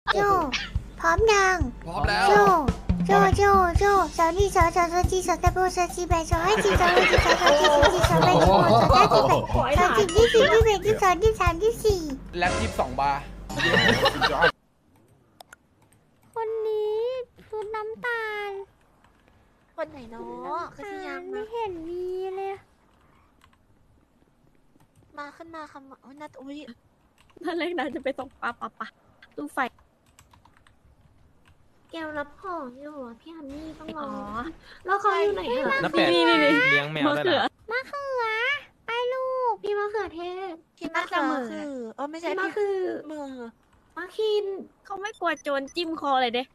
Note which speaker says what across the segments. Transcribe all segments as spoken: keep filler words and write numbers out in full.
Speaker 1: โจพร้อมยัง
Speaker 2: พร้อมแล้ว
Speaker 1: โจโจโจโจสาวนี่สาวสาวสาวจีสาวตะโบสาวจีแบสาวให้จีสาวให้จีสาวสาวจีสาวจีสาวแบสาวสาวจีแบสาวจีที่สี่ที่แบที่สองที่สามที่สี่
Speaker 2: แล็บยี่สิบสองบาร์
Speaker 1: คนนี้ชุดน้ำตาล
Speaker 3: คนไหนเนาะคือที่ยัง
Speaker 1: ไม่
Speaker 3: มา
Speaker 1: เห็นมีเลย
Speaker 3: มาขึ้นมาคำว่าอุ้ยนัดอุ้ย
Speaker 4: ถ้าเล็กนั้นจะไปตกปลาปะปะตู้ไฟ
Speaker 5: แกวรับของอยู่อะพี่ฮันนี่ต้องร
Speaker 4: อ๋
Speaker 5: อ
Speaker 4: อ
Speaker 5: แล้วเขาอยู่ไหนคะ
Speaker 6: น้าเป็ด
Speaker 4: นี่นี่นี่
Speaker 6: เลี้ยงแมว
Speaker 4: มะ
Speaker 6: ด้วย
Speaker 4: เขือ
Speaker 6: นะ
Speaker 1: มะเขือไปลูก
Speaker 5: พี่มะเขือเทศ
Speaker 3: พี่มะเขือคือเออไม่ใช่
Speaker 5: พี่มะ
Speaker 3: พี่
Speaker 5: คือ
Speaker 3: มือ
Speaker 5: มะคิน
Speaker 4: เขาไม่กลัวโจรจิ้มคอเลยเด้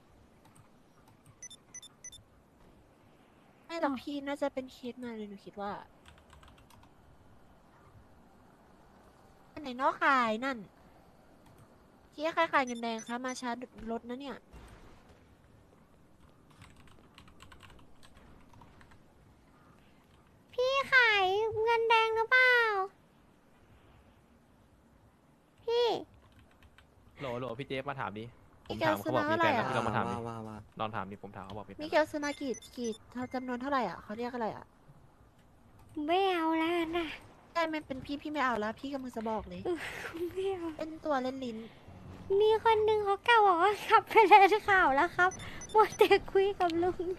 Speaker 3: ไม่หรอกพี่น่าจะเป็นเคสมาเลยหนูคิดว่าอันไหนเนอกขายนั่นที่ใครขายเงินแดงคะมาช้ารถนะเนี่ย
Speaker 1: พี่ขายเงินแดงหรือเปล่าพี่
Speaker 6: โหลโหลพี่เจฟมาถามดิ ผม
Speaker 3: พี่แก
Speaker 6: ถามเขาบอกมีแฟนแล้ว
Speaker 3: ซื้
Speaker 6: พี่
Speaker 3: อ
Speaker 6: ลองมาถามดิ
Speaker 7: ว่าว่า
Speaker 6: ลองถามดิผมถามเขาบอกมีแฟ
Speaker 3: มิ
Speaker 6: น
Speaker 3: เกลซื้อมากี่กี่เท่าจำนวนเท่าไหร่อ่ะเขาเรียกอะไรอ่ะ
Speaker 1: ไม่เอาแล้วนะ
Speaker 3: ได้ไม่เป็นพี่พี่ไม่เอาแล้วพี่กำลังจะบอกเลย
Speaker 1: ไม่เอา
Speaker 3: เป็นตัวเล่นลิ้น
Speaker 1: มีคนหนึ่งเขากล่าวบอกว่าขับไปเลยข่าวแล้วครับมัวแต่คุยกับลุง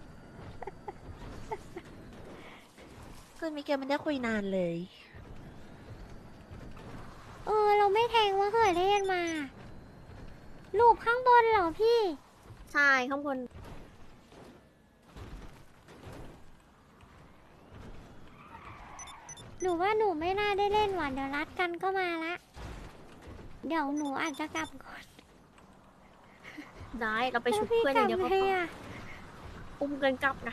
Speaker 3: คือมิเกลมันได้คุยนานเลย
Speaker 1: เออเราไม่แทงมะเขือเทศมารูปข้างบนเหรอพี่
Speaker 4: ใช่ข้างบน
Speaker 1: หนูว่าหนูไม่น่าได้เล่นหวานเดี๋ยวรัดกันก็มาละเดี๋ยวหนูอาจจะกลับก่อน
Speaker 4: ได้เราไปชุบเพื่อนอย่างเดียวก็
Speaker 1: พี่
Speaker 4: พ
Speaker 1: กลับไง
Speaker 4: อ
Speaker 1: อะ
Speaker 4: อุ้มกันกลับนะ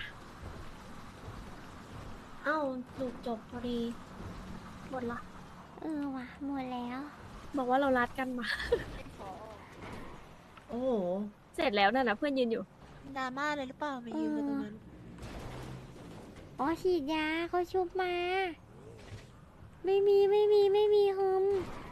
Speaker 5: เอ้าลูกจบพอดี
Speaker 4: หมดละ
Speaker 1: เออว่ะหมดแล้ว
Speaker 4: บอกว่าเรารัดกันมา
Speaker 5: โอ้โห
Speaker 4: เสร็จแล้วน่ะนะเพื่อนยืนอยู่
Speaker 3: ดราม่าเลยหรือเปล่ามายืนกันตรงนั้น
Speaker 1: อ๋อฉีดยาเขาชุบมา ไม่มีไม่มีไม่มีฮึม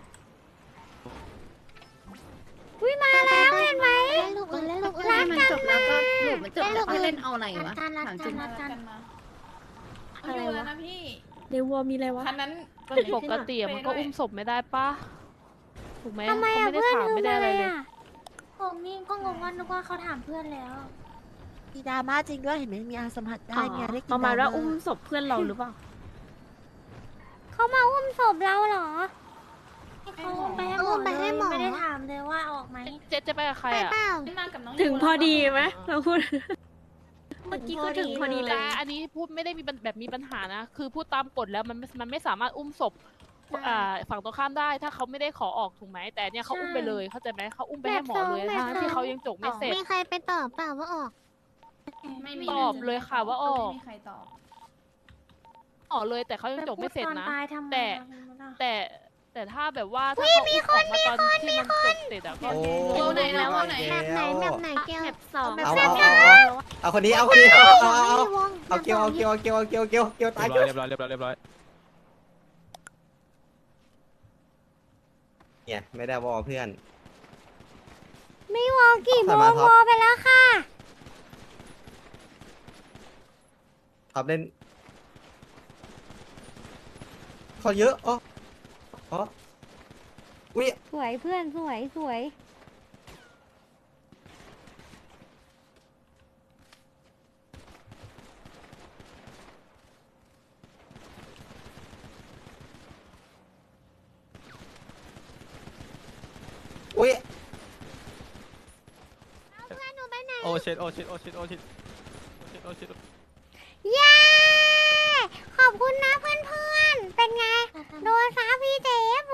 Speaker 1: วิมาแล้วเห็นไหม
Speaker 5: เล่นลูกเออเล่นลูกเออ
Speaker 1: รัก
Speaker 5: มัน
Speaker 1: กัน
Speaker 5: จบแล้วก็ลูกมันจบแล้ว
Speaker 1: เล่นลูก
Speaker 5: เล่นเอาอะไรวะ
Speaker 1: รักกันรักกันรักกัน
Speaker 4: อะไร
Speaker 8: อยู่
Speaker 4: วะ
Speaker 8: แล้วนะพี่
Speaker 4: ในวัวมีอะไรวะ
Speaker 8: คันนั้น
Speaker 9: ปกติอะมันก็อุ้มศพไม่ได้ปะถูกไหม
Speaker 1: ทำไม
Speaker 9: เขา
Speaker 1: อะ
Speaker 9: ไม่ได้
Speaker 1: เพื่อน
Speaker 9: ถาม
Speaker 1: ฮึม
Speaker 9: ไม่ได้
Speaker 1: อะ
Speaker 9: อะไร ไรเลย
Speaker 1: อะ
Speaker 5: ผมนี่ก็งงว่านึกว่าเขาถามเพื่อนแล้ว
Speaker 3: มีดราม่าจริงด้วยเห็นไหมมีอาสัมผัสได้
Speaker 4: อ๋อ
Speaker 3: เนี่ยได้กิน
Speaker 4: ประมาณว่า
Speaker 3: ดร
Speaker 4: อุ้มศพเพื่อนเราหรือเปล่า
Speaker 1: เขามาอุ้มศพเราเหรอ
Speaker 5: เขาไปให้หมอ
Speaker 1: ไปให้หมอ
Speaker 5: ไม่ได้ถามเลยว่าออกไหม
Speaker 9: เจ๊จะไปกับใคร
Speaker 1: ไป
Speaker 9: อะ
Speaker 1: เปล่า
Speaker 8: มากับน้อง
Speaker 4: ถึงพอดีไหมเราพูด
Speaker 5: เมื่
Speaker 4: เมื่
Speaker 5: อ
Speaker 4: อ
Speaker 5: กี้
Speaker 4: กี้
Speaker 5: ก็
Speaker 4: ก็
Speaker 5: ถึ
Speaker 4: ถึ
Speaker 5: ง
Speaker 4: ง
Speaker 5: พ
Speaker 4: พ
Speaker 5: อ
Speaker 4: อ
Speaker 5: ดี
Speaker 4: ดี
Speaker 5: เล
Speaker 4: เลย ย
Speaker 9: อันนี้พูดไม่ได้มีปัญแบบมีปัญหานะ คือพูดตามกฎแล้วมันมันไม่สามารถอุ้มศพอ่าฝั่งตรงข้ามได้ ถ้าเขาไม่ได้ขอออกถูกไหมแต่เนี่ยเขาอุ้มไปเลยเข้าใจไหมเขาอุ้มไปให้หมอเลย
Speaker 1: แบบสอง
Speaker 9: ทั้งที่เขายังจกไม่เสร็จ
Speaker 1: มีใครไปตอบเปล่าว่าออก
Speaker 8: ไม่มี
Speaker 9: ตอบเลยค่ะว่าออก
Speaker 8: ไม่มีใครตอบ
Speaker 9: ออกเลยแต่เขายังจกไม่เสร็จนะ
Speaker 5: ตายทำไม
Speaker 9: แต่
Speaker 5: อะ
Speaker 9: แต่แต่ถ้าแบบว่าถ้าเขาอุ้มออกมาตอนที่มันจบเสร็จอะก็
Speaker 7: โอ้
Speaker 8: โอ้ไหนแล้วโอ้ไหน
Speaker 1: แบบไหนแบบไหนเกล
Speaker 4: แบบสอง
Speaker 7: เอาเอาเอาเอาเอาคนนี้เอาคนนี้เอาเอาเอาเอา
Speaker 1: วง
Speaker 7: เอาเกียวเอาเกียวเอาเกียวเอาเกียวเอาเกียวเกียวตาย
Speaker 6: เรี
Speaker 7: เกี
Speaker 6: ย
Speaker 7: ยว
Speaker 6: บร้อยเรียบร้อยเรียบร้อยเรียบร้อย
Speaker 7: เนี่ยไม่ได้วอเพื่อน
Speaker 1: ไม่วงกี่โม
Speaker 7: ผ่าน
Speaker 1: ง
Speaker 7: มาท็อป
Speaker 1: วอไปแล้วค่ะ
Speaker 7: ท็อปเล่นเขาเยอะอ๋ออ๋ออุ้ย
Speaker 1: สวยเพื่อนสวยสวย
Speaker 7: อุ้ย
Speaker 6: โอเชดโอเชดโอเชดโอเชดโอเชดโอเชด
Speaker 1: เย้ ขอบคุณนะเพื่อนเพื่อนๆเป็นไง โดนซาพี่เจฟ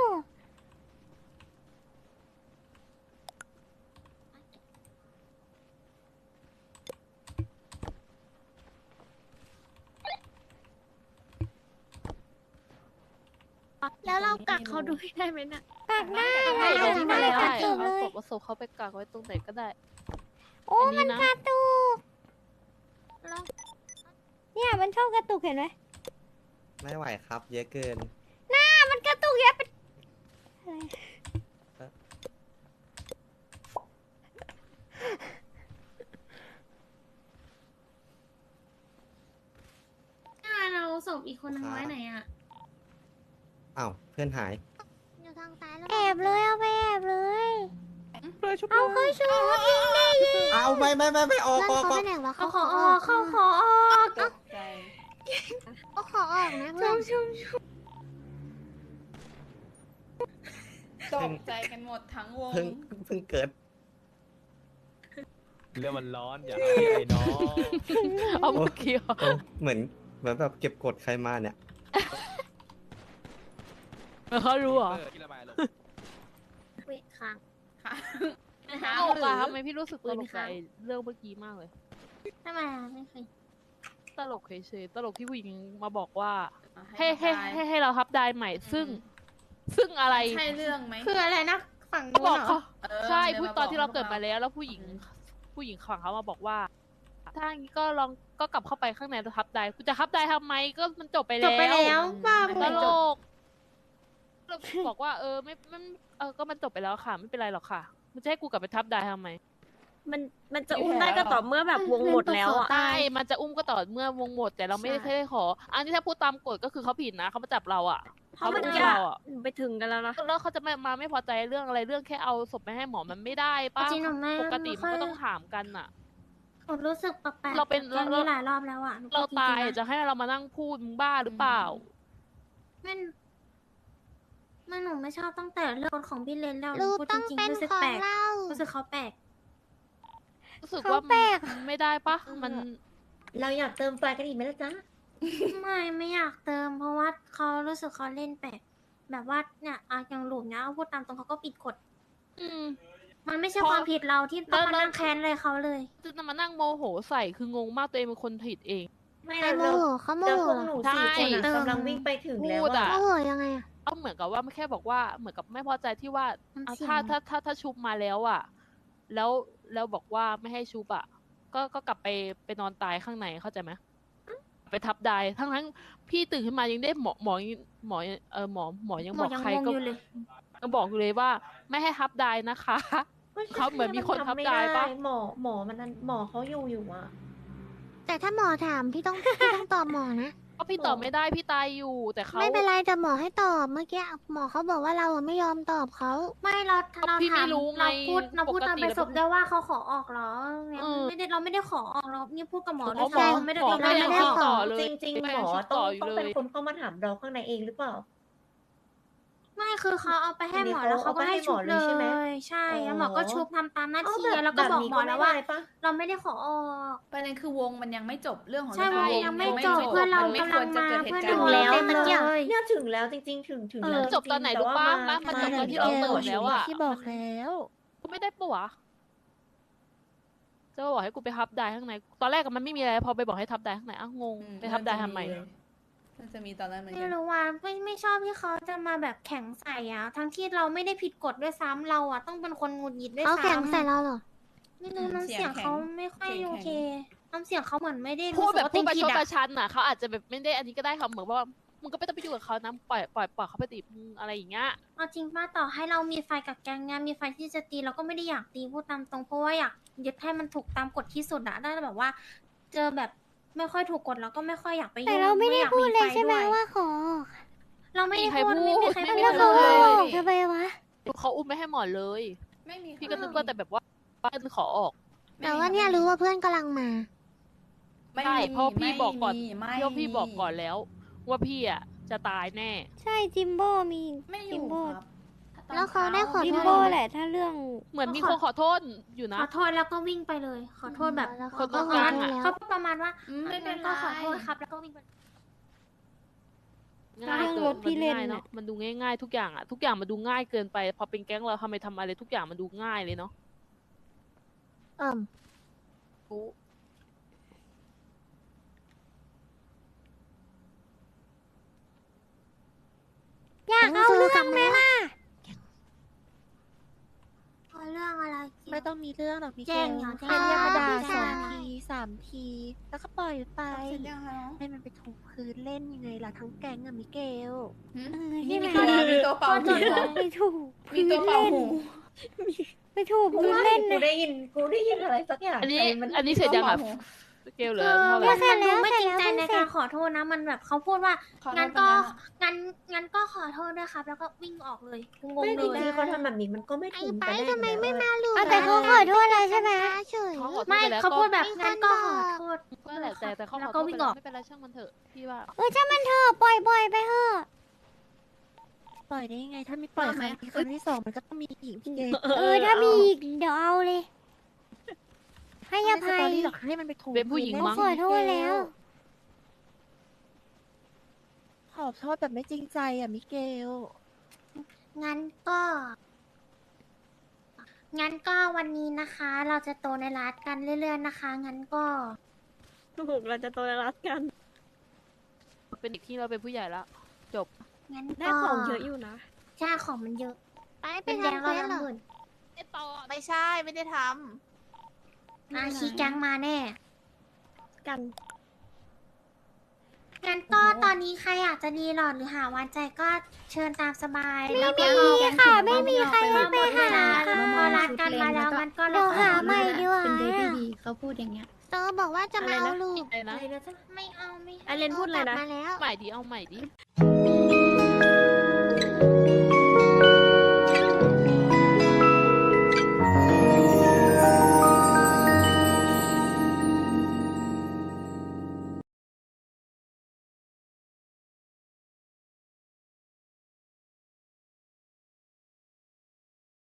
Speaker 4: แล้วเรากักเขาด้วยได้ไหมน่ะ
Speaker 1: กักได้
Speaker 9: ได้
Speaker 1: นะ
Speaker 9: เดี๋ยวนี้มาแล้ว
Speaker 1: กัก
Speaker 9: เอา
Speaker 1: ตุกเลย
Speaker 9: ศพเอาศพเขาไปกักไว้ตรงไหนก็ได้
Speaker 1: โอ้
Speaker 9: อันนี้
Speaker 1: มัน
Speaker 9: นะ
Speaker 1: กระตุกเนี่ยมันชอบกระตุกเห็นไหม
Speaker 7: ไม่ไหวครับ เยอะเกิน
Speaker 1: หน้ามันกระตุกเยอะเป็นอะไร
Speaker 5: พอีกคนนึงไว้ไหนอ่ะ
Speaker 7: อ้าวเพื่อนหาย
Speaker 1: อยู่ทางซ้ายแล้วแอบเลยเอาไปแอบเลย
Speaker 6: เลยชุบ
Speaker 1: เอาเขาชูยิงได้ยิง
Speaker 7: เอาไม่ไม่ไม่ไม่ออก
Speaker 1: เพื่
Speaker 7: อ
Speaker 1: อน
Speaker 7: อก
Speaker 1: เขา
Speaker 7: อ
Speaker 1: ไป
Speaker 7: อก
Speaker 1: ไหนวะ
Speaker 5: เขา
Speaker 1: เขา
Speaker 5: ข
Speaker 1: ข
Speaker 5: อ
Speaker 1: อ
Speaker 5: อ
Speaker 1: อ
Speaker 5: อ
Speaker 1: อก ก
Speaker 5: เขาขอออก
Speaker 8: ตกใจ
Speaker 1: เขาขอออกนะเพื่อน
Speaker 8: ตกใจกันหมดทั้งวง
Speaker 7: เพิ่งเพิ่งเกิด
Speaker 6: เรื่องมันร้อนอย่าให้ไอ้น้อง
Speaker 9: เอาเมื่อกี้เหรอ
Speaker 7: โอ้เหมือนเหมือนแบบเก็บกดใครมาเนี่ย
Speaker 9: เขารู้เหรอ
Speaker 6: เออที่ระบายลง
Speaker 4: เว้ยค้าง
Speaker 8: ค่ะ
Speaker 9: ตลกอะทำไมพี่รู้สึกตลกใจเรื่องเมื่อกี้มากเลย
Speaker 5: ทำไมอะไม่เคย
Speaker 9: ตลกเฉยๆตลกที่ผู้หญิงมาบอกว่า
Speaker 8: ให้
Speaker 9: ให้ให้ให้ให้เราทับได้ใหม่ ซึ่ง ซึ่งอะไร
Speaker 8: ใช่เรื่องไหม
Speaker 5: คืออะไรนะ ฝั่ง
Speaker 9: ก็
Speaker 5: นู้น
Speaker 9: บอก
Speaker 5: เหรอ
Speaker 9: เขา
Speaker 8: เออ
Speaker 9: ใช่
Speaker 8: ดี๋ยว
Speaker 9: พูด
Speaker 8: ม
Speaker 9: ตอนที่เรา
Speaker 8: บ
Speaker 9: เกิดมาแล้ว แล้วผู้หญิง ผู้หญิงฝั่งเขามาบอกว่า ถ้าอย่างนี้ก็ลองก็กลับเข้าไปข้างในแล้วทับได้กูจะทับได้ทำไมก็มันจบไป
Speaker 5: จ
Speaker 9: แล้ว
Speaker 5: บไปแล้วบ้า
Speaker 9: ต
Speaker 5: ไป
Speaker 9: ลกเราบอกว่าเออไม่ไม่เออก็มันจบไปแล้วค่ะ ไม่เป็นไรหรอกค่ะ มันจะให้กูกลับไปทับได้ทำไม
Speaker 4: มันมันจะอุ้มได้ก็ต่อเมื่อแบบวงหมดแล้วอ่ะ
Speaker 9: ใช่มันจะอุ้มก็ต่อเมื่อวงหมด แต่เราไม่ได้
Speaker 5: ใช่
Speaker 9: ได้ขอ อันนี้ถ้าพูดตามกฎก็คือเขาผิดนะเขามาจับเราอ่ะ
Speaker 4: เพราะมัน
Speaker 9: อุ้
Speaker 4: ยาก
Speaker 9: เราอ่ะ
Speaker 4: ไปถึงกันแล้วนะ
Speaker 9: แล้วเขาจะไม่มาไม่พอใจเรื่องอะไรเรื่องแค่เอาศพไปให้หมอมันไม่ได้ป้า
Speaker 5: จริงหนูไม่
Speaker 9: ปกติ
Speaker 5: ไม่ค่
Speaker 9: มัน
Speaker 5: อย
Speaker 9: ก็ต้องถามกันอ่ะ
Speaker 5: หนูรู้สึกแปลกๆ
Speaker 9: เราเป็น
Speaker 5: กับแก๊ง
Speaker 9: เรา
Speaker 5: นี้หลายรอบแล้วอ่ะหนู
Speaker 9: เรา
Speaker 5: พูดจงๆ
Speaker 9: ตาย
Speaker 5: นะ
Speaker 9: จะให้เรามานั่งพูดมึงบ้าหรือเปล่า
Speaker 5: ไม่ไม่หนูไม่ชอบตั้งแต่เรื่องของพี่เลนแล้ว
Speaker 1: รู
Speaker 5: พูด
Speaker 1: ต้
Speaker 5: จ
Speaker 1: อง
Speaker 5: ริง
Speaker 1: เป็น
Speaker 5: ๆรู้สึก
Speaker 1: ของ
Speaker 5: แปลก
Speaker 1: เรา
Speaker 5: รู้สึกเขาแปลก
Speaker 9: รู้สึก
Speaker 1: เขา
Speaker 9: ว่า
Speaker 1: แปลก
Speaker 9: มันไม่ได้ปะมัน
Speaker 2: เราอยากเติมไฟกันอีกไหมล่ะจ๊ะ
Speaker 5: ไม่ไม่อยากเติม เพราะว่าเขารู้สึกเขาเล่นแปลกแบบว่าเนี่ยอะอย่างหลุมเนี่ยเอาพูดตามตรงเขาก็ปิดกฎ
Speaker 9: อืม
Speaker 5: มันไม่ใช่
Speaker 9: พอ
Speaker 5: ความผิดเราที่ต้องมา
Speaker 9: แล้ว
Speaker 5: นั่งแค้นเลยเขาเลย
Speaker 9: จะมานั่งโมโหใส่คืองงมากตัวเองเป็นคนผิดเอง
Speaker 2: ไม่
Speaker 1: ใคร
Speaker 2: เรา
Speaker 1: โม
Speaker 2: เรา
Speaker 1: โหเขาโม
Speaker 2: เรา
Speaker 1: โห
Speaker 2: พวก
Speaker 1: เหรอ
Speaker 2: หนู
Speaker 9: ใช่
Speaker 2: สี่คนอะ
Speaker 5: เติม
Speaker 2: กำลังวิ่งไปถึงแล้ว
Speaker 9: พูดอะ
Speaker 2: อะ
Speaker 1: โมโหยังไงอะ
Speaker 9: ก็เหมือนกับว่าไม่แค่บอกว่าเหมือนกับไม่พอใจที่ว่า
Speaker 5: น้ำ
Speaker 9: อ่ะ
Speaker 5: เสียง
Speaker 9: ถ้าถ้าถ้าถ้าชุบมาแล้วอ่ะ แล้วแล้วบอกว่าไม่ให้ชุบอ่ะ ก็ก็กลับไปไปนอนตายข้างในเข้าใจไหมไปทับได้ทั้งทั้งพี่ตื่นขึ้นมายังได้หมอหมอหมอเออหมอหมอยัง
Speaker 5: ห
Speaker 9: บ
Speaker 5: ม
Speaker 9: อ
Speaker 5: อก ยัง
Speaker 9: ใครง
Speaker 5: ง
Speaker 9: ก็
Speaker 5: อยู่เลย
Speaker 9: ก็บอกอยู่เลยว่า ไม่ให้ทับได้นะคะ เขาเหมือนมีคนทับได้ปะ
Speaker 2: หมอหมอมันนั้นหมอเขาอยู่อยู่อะ
Speaker 1: แต่ถ้าหมอถามพี่ต้องพี่ต้องตอบหมอนะ
Speaker 9: ก็พี่ตอบไม่ได้พี่ตายอยู่ แต่เขา
Speaker 1: ไม่เป็นไรแต่หมอให้ตอบเมื่อกี้หมอเขาบอกว่าเราอะไม่ยอมตอบเขา
Speaker 5: ไม่เราเรา
Speaker 9: พี่
Speaker 5: ถา
Speaker 9: ไม่
Speaker 5: ม
Speaker 9: รู้ไง
Speaker 5: เราพูดเราพูด
Speaker 9: ปก
Speaker 5: ตาม
Speaker 9: ติ
Speaker 5: ไป
Speaker 9: แล้ว
Speaker 5: ศพได้ว่าเขาขอออกเหรอเนี่ย
Speaker 9: เออ
Speaker 5: ไม่ได้เราไม่ได้ขอออกเรานี่พูดกับหมอ
Speaker 9: เขา
Speaker 5: ด้วย
Speaker 9: บอก
Speaker 5: ซ้ำไม่ได้
Speaker 9: หมอ
Speaker 5: เรา
Speaker 9: ไม่
Speaker 5: ไม่
Speaker 9: ได้
Speaker 5: ได้
Speaker 9: ติด
Speaker 5: ข
Speaker 9: ต่
Speaker 5: อ
Speaker 9: อเลย
Speaker 2: จริงจริง
Speaker 9: ไม่
Speaker 2: ๆหมอ
Speaker 9: ติด
Speaker 2: ต้
Speaker 9: ต่
Speaker 2: อง
Speaker 9: ออยู่
Speaker 2: ต้อง
Speaker 9: เลย
Speaker 2: เป็นคนเข้ามาถามเราข้างในเองหรือเปล่า
Speaker 5: ไม่คือเขาเอาไปให้หมอ
Speaker 2: อันนี้
Speaker 5: แล้วเขาก็ให้ชุบ
Speaker 2: เอาไป
Speaker 5: เล
Speaker 2: ให้หมอเลยใช่ไหม
Speaker 5: ยใช่แล้วหมอก็ชุบทำตามหน้า
Speaker 2: เอา
Speaker 5: ที่
Speaker 2: แบบ
Speaker 5: แล้วก็บอกหมอ
Speaker 2: แบบนี้
Speaker 5: แล้วว่า
Speaker 2: ไม่ได้ปะ
Speaker 5: เราไม่ได้ขอออก
Speaker 8: ประเด็นคือวงมันยังไม่จบเรื่องของ
Speaker 5: ใช่
Speaker 8: เรื่อง
Speaker 5: วง
Speaker 8: ว
Speaker 5: ยังไม่
Speaker 8: ไม่
Speaker 5: จบเพื่อนเรา
Speaker 8: มันไม่
Speaker 5: กำ
Speaker 8: ค
Speaker 5: ลั
Speaker 8: ว
Speaker 5: ง
Speaker 8: รจะ
Speaker 5: มา
Speaker 8: เกิดเห
Speaker 5: เพื่อน
Speaker 8: ตุการ
Speaker 5: เรา
Speaker 8: ณ์
Speaker 5: แล้ว
Speaker 2: ถึง
Speaker 5: เต็ม
Speaker 2: แล้ว
Speaker 5: เลย
Speaker 2: เนี่ยถึงแล้วจริง ๆ ถึงถึง
Speaker 1: เออ
Speaker 2: แล้ว
Speaker 9: จบตอนไหนรู้ปะ
Speaker 2: แต่ว่า
Speaker 9: นะมันจบตอนที่เราเติมแล้วอะ
Speaker 1: ที่บอกแล้ว
Speaker 9: กูไม่ได้ปะวะจะมาบอกให้กูไปทับได้ข้างใน ตอนแรกก็มันไม่มีอะไร พอไปบอกให้ทับได้ข้างในอ้าวงง ไปทับได้ทำไม
Speaker 8: มันจะมีตอนนั้นเหมือน
Speaker 5: ไม่
Speaker 8: กัน
Speaker 5: รู้ว่าไม่ไม่ชอบที่เขาจะมาแบบแข็งใส่อะทั้งที่เราไม่ได้ผิดกฎด้วยซ้ำเราอะต้องเป็นคนหงุดหงิดด้วย
Speaker 1: เขา
Speaker 5: ซ้ำ
Speaker 1: แข่งใส่เราเหรอ
Speaker 5: ไม่รู้น้ำเสียงเขาไม่ค่อย
Speaker 8: เสียงแข็ง
Speaker 5: โอเคน้ำเสียงเขาเหมือนไม่ได้
Speaker 9: พู
Speaker 5: รู้
Speaker 9: ด
Speaker 5: สึ
Speaker 9: แบ
Speaker 5: ก
Speaker 9: บ
Speaker 5: ว่า
Speaker 9: พู
Speaker 5: ตั
Speaker 9: ด
Speaker 5: ว
Speaker 9: ประ
Speaker 5: ผิ
Speaker 9: ช
Speaker 5: ด
Speaker 9: ดป
Speaker 5: อะ
Speaker 9: ระชันน่ะเขาอาจจะแบบไม่ได้อันนี้ก็ได้ค่ะเหมือนว่ามึงก็ไม่ต้องไปยุ่งกับเขานะปล่อยปล่อยปล่อยเขาไปตีมึงอะไรอย่างเงี้ย
Speaker 5: เอาจริงป้าต่อให้เรามีไฟกับแกงงานมีไฟที่จะตีเราก็ไม่ได้อยากตีพูดตามตรงเพราะว่าอยากยึดให้มันถูกตามกฎที่สุดอะได้แบบว่า เจอแบบไม่ค่อยถูกกฎเราก็ไม่ค่อยอยากไปยุ่ง
Speaker 1: แต่เราไม่ได้
Speaker 5: อยก
Speaker 1: พูดเลย
Speaker 5: ฟ
Speaker 1: ใช่ไหม
Speaker 5: ด้วย
Speaker 1: ว่าขอ
Speaker 5: เราไม่ได้
Speaker 9: ไม่มีใคร
Speaker 5: พูดไม่มีใคร
Speaker 9: พูด
Speaker 5: พูด
Speaker 9: ไม่มี
Speaker 1: แล้ว
Speaker 9: ใคร
Speaker 1: เขา
Speaker 9: พูด
Speaker 1: เอา
Speaker 9: เลย
Speaker 1: ออกทำไมวะ
Speaker 9: เขาอุ้มไม่ให้หมอเลย
Speaker 8: ไม่มี
Speaker 9: พี่ก็นึกว่าแต่แบบว่าป้าขอออก
Speaker 1: แต่ว่าเนี่ยรู้ว่าเพื่อนกำลังมา
Speaker 8: ไม่
Speaker 9: ใช่
Speaker 8: มี
Speaker 9: เพราะพี่บอกก่อน
Speaker 8: ไม่
Speaker 9: พี่ว่าพี่บอกก่อนแล้ว ว่าพี่อ่ะจะตายแน่
Speaker 1: ใช่จิมโบ้มี
Speaker 8: ไม่อยู่ครับ
Speaker 1: แล้วเขาได้ขอ
Speaker 5: จิม
Speaker 1: โท
Speaker 5: โบ้
Speaker 1: ษ
Speaker 5: แหละ
Speaker 1: ถ้าเรื่อง
Speaker 9: เหมือนมีคนขอโทษอยู่
Speaker 5: ข
Speaker 9: นะ
Speaker 5: อโทษแล้วก็วิ่งไปเลย ขอโทษแบบ
Speaker 1: แล้ว
Speaker 9: ค
Speaker 1: เขา
Speaker 9: น
Speaker 1: ก็
Speaker 9: ต้อง
Speaker 1: ง
Speaker 9: กา
Speaker 1: อ
Speaker 9: ร
Speaker 1: น
Speaker 9: อะ
Speaker 1: แล้ว
Speaker 5: เขาประมาณว่า
Speaker 8: อืมไม่
Speaker 5: ไม่
Speaker 8: เป็
Speaker 5: เป็น น
Speaker 8: ไร
Speaker 5: ก็ขอโทษครับ แล้วก็วิ่งไป
Speaker 9: ง่าย
Speaker 1: เรื่อง
Speaker 9: เกิ
Speaker 1: ร
Speaker 9: น
Speaker 1: ถพี่เล่น
Speaker 9: มัง่าย
Speaker 1: น่ะ
Speaker 9: เนาะมันดูง่ายๆทุกอย่างอ่ะทุกอย่างมันดูง่ายเกินไป พอเป็นแก๊งเราทำไมทำอะไรทุกอย่างมันดูง่ายเลยเนาะ
Speaker 1: เอิ่ม
Speaker 9: กู
Speaker 1: อยากเอาเรื่องไหมล่ะ
Speaker 5: เอาเรื่องอะไรเกี่ยว
Speaker 3: ไม่ต้องมีเรื่องหรอกพี่
Speaker 5: แจ้งเหรอ
Speaker 3: แค่เรียกมาด่า
Speaker 5: แจ้ง
Speaker 3: สอง
Speaker 5: แจ้ง
Speaker 3: ทีสามที แล้วก็ปล่อยไป
Speaker 8: เสร็จยังคะน้อง
Speaker 3: ให้มันไปถูพื้นเล่นยังไงล่ะทั้งแก๊งอะมิเกล
Speaker 8: หืม
Speaker 1: เออ
Speaker 8: นี่
Speaker 1: ใช่ไหม
Speaker 8: มีตัวมีตัวเป่าหูเหรอ
Speaker 1: ไปถูก
Speaker 8: มีตัวเป่าหู
Speaker 1: ไปถูก
Speaker 2: กู
Speaker 1: พื้น
Speaker 2: ว่า
Speaker 1: เล่น
Speaker 2: กู
Speaker 1: นะ
Speaker 2: ได้ยินกูได้ยินอะไรสักอย่าง
Speaker 9: อันนี้
Speaker 2: แต่มั
Speaker 9: อันนี้เสร็จยังอ่ะเกลเหลื
Speaker 5: คือ อ
Speaker 9: เท่าไห
Speaker 5: มั
Speaker 9: ร่
Speaker 5: นมันดูไม่จริงใจ
Speaker 1: เสร็จแล้ว
Speaker 5: ในการขอโทษนะ มันแบบเขาพูดว่า
Speaker 8: ขอโทษ
Speaker 5: งั้นก็
Speaker 8: ไปแล้ว
Speaker 5: งั้นงั้นก็ขอโทษด้วยครับ แล้วก็วิ่งออกเลยกูงง
Speaker 2: ไม่
Speaker 5: เล
Speaker 2: จ
Speaker 5: ย
Speaker 2: ริงๆเขาทำแบบนี้มันก็ไม่
Speaker 1: ไอ้
Speaker 2: ถูก
Speaker 1: ไป
Speaker 2: กันแน่
Speaker 1: ทำไมไม่
Speaker 2: อยู่
Speaker 1: มา
Speaker 2: แล้ว
Speaker 1: ลูแต่เขาขอโทษแล้วใช่ไหมเฉย
Speaker 9: เขาขอโทษ
Speaker 5: ไม่
Speaker 9: ไปแล้ว
Speaker 5: เขาพูดแบบ
Speaker 1: ก็
Speaker 5: งั้นก็ขอโทษ
Speaker 9: ก็แหละแต่แต่เขาข
Speaker 5: แล้
Speaker 9: อ
Speaker 5: ว
Speaker 9: โท
Speaker 5: ก็
Speaker 9: ษไป
Speaker 5: วิ่งอ
Speaker 9: แล้
Speaker 5: อ
Speaker 9: ว
Speaker 5: ก
Speaker 9: ไม่เป็นไรช่างมันเถอะพี่ว่า
Speaker 1: เออถ้ามันเถอะปล่อยปล่อยไปเถอะ
Speaker 3: ปล่อยได้ยังไง ถ้าไม่ปล่อยครั้งที่ครั้งที่สองมันก็ต้องมีอีกพี่เก
Speaker 1: เออถ้ามีอีกเดี๋ยวเอาเลย ให้อ
Speaker 3: ไม่ส
Speaker 1: ภั
Speaker 3: ตอย รี่หรอกให้มันไปถูก
Speaker 9: เป็นผู้หญิง
Speaker 1: เขา
Speaker 9: มั้ง
Speaker 1: ขอโทษแล้ว
Speaker 3: ขอโทษแบบไม่จริงใจอ่ะมิเกล
Speaker 5: งั้นก็ งั้นก็วันนี้นะคะ เราจะโตในรัฐกันเรื่อยๆนะคะ งั้นก็
Speaker 4: ถูกเราจะโตในรักกัน
Speaker 9: เป็นเด็กที่เราเป็นผู้ใหญ่แล้ว จบ
Speaker 5: งั้น
Speaker 4: ได้
Speaker 5: ก็
Speaker 4: ของเยอะอยู่นะ
Speaker 5: ใช่ของมันเยอะ
Speaker 1: ไปไป
Speaker 5: เป็นแดง
Speaker 1: ทำ
Speaker 5: เรา
Speaker 1: เควสเหร
Speaker 5: ละ
Speaker 1: อ
Speaker 5: หมื่น
Speaker 3: ไม่ใช่ ไม่ได้ท
Speaker 5: อาชีแก๊งมาแน่
Speaker 4: กัน
Speaker 5: งั้นก็ตอนนี้ใครอยากจะดีหลอดหรือหาวันใจก็เชิญตามสบาย
Speaker 1: ไม่
Speaker 5: แล้วก็
Speaker 1: มี
Speaker 5: เอา
Speaker 1: ค่ะไม่มีใครให้ไปหา
Speaker 5: ค่ะ
Speaker 1: ค่ะ
Speaker 5: พอรัดกันมาแล้วมันก็
Speaker 1: เดี๋ยวหาใหม่ดีกว่า
Speaker 8: เป็นเบบี้ดีเขาพูดอย่างเงี้ย
Speaker 1: เตอบอกว่าจะมาเอาลูก
Speaker 9: อะไรนะ
Speaker 2: อะไรนะจ๊ะ
Speaker 5: ไม่เอาไม่
Speaker 4: ไอเลนพูดอะไรนะ
Speaker 1: กบมาแล้ว
Speaker 9: ใหม่ดีเอาใหม่ดี
Speaker 1: เ